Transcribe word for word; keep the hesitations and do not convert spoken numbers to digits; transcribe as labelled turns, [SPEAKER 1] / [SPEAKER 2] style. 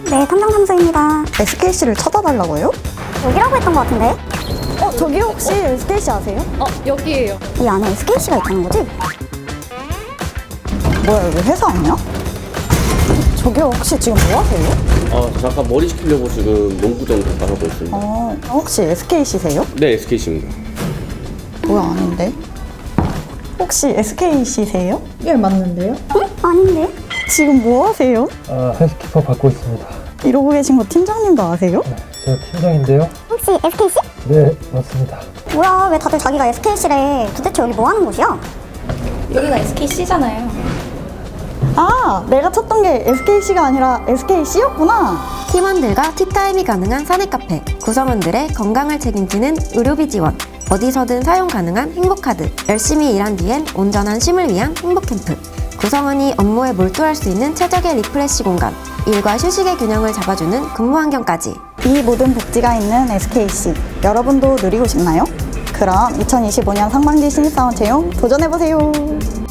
[SPEAKER 1] 네, 탐정 탐수입니다.
[SPEAKER 2] 에스케이씨를 찾아달라고요?
[SPEAKER 1] 여기라고 했던 것 같은데?
[SPEAKER 2] 어, 저기 혹시 에스케이씨 아세요?
[SPEAKER 3] 어, 여기에요.
[SPEAKER 1] 이 안에 에스케이씨가 있다는 거지?
[SPEAKER 2] 뭐야, 여기 회사 아니야? 저기 혹시 지금 뭐 하세요?
[SPEAKER 4] 아, 잠깐 머리 식히려고 지금 농구장 잠깐 하고 있습니다.
[SPEAKER 2] 어, 혹시 에스케이씨세요?
[SPEAKER 4] 네, 에스케이씨입니다.
[SPEAKER 2] 뭐야, 아닌데? 혹시 에스케이씨세요?
[SPEAKER 5] 예, 맞는데요?
[SPEAKER 1] 응? 아닌데?
[SPEAKER 2] 지금 뭐 하세요?
[SPEAKER 6] 아, 헬스키퍼 받고 있습니다.
[SPEAKER 2] 이러고 계신 거 팀장님도 아세요?
[SPEAKER 6] 네, 저 팀장인데요.
[SPEAKER 1] 혹시 에스케이씨?
[SPEAKER 6] 네, 맞습니다.
[SPEAKER 1] 뭐야, 왜 다들 자기가 에스케이씨래? 도대체 여기 뭐 하는 곳이야?
[SPEAKER 3] 여기가 에스케이씨잖아요.
[SPEAKER 2] 아, 내가 찾던 게 에스케이씨가 아니라 에스케이씨였구나.
[SPEAKER 7] 팀원들과 티타임이 가능한 사내 카페, 구성원들의 건강을 책임지는 의료비 지원, 어디서든 사용 가능한 행복카드, 열심히 일한 뒤엔 온전한 쉼을 위한 행복캠프, 구성원이 업무에 몰두할 수 있는 최적의 리프레시 공간, 일과 휴식의 균형을 잡아주는 근무 환경까지.
[SPEAKER 2] 이 모든 복지가 있는 에스케이씨, 여러분도 누리고 싶나요? 그럼 이천이십오 년 상반기 신입사원 채용 도전해보세요.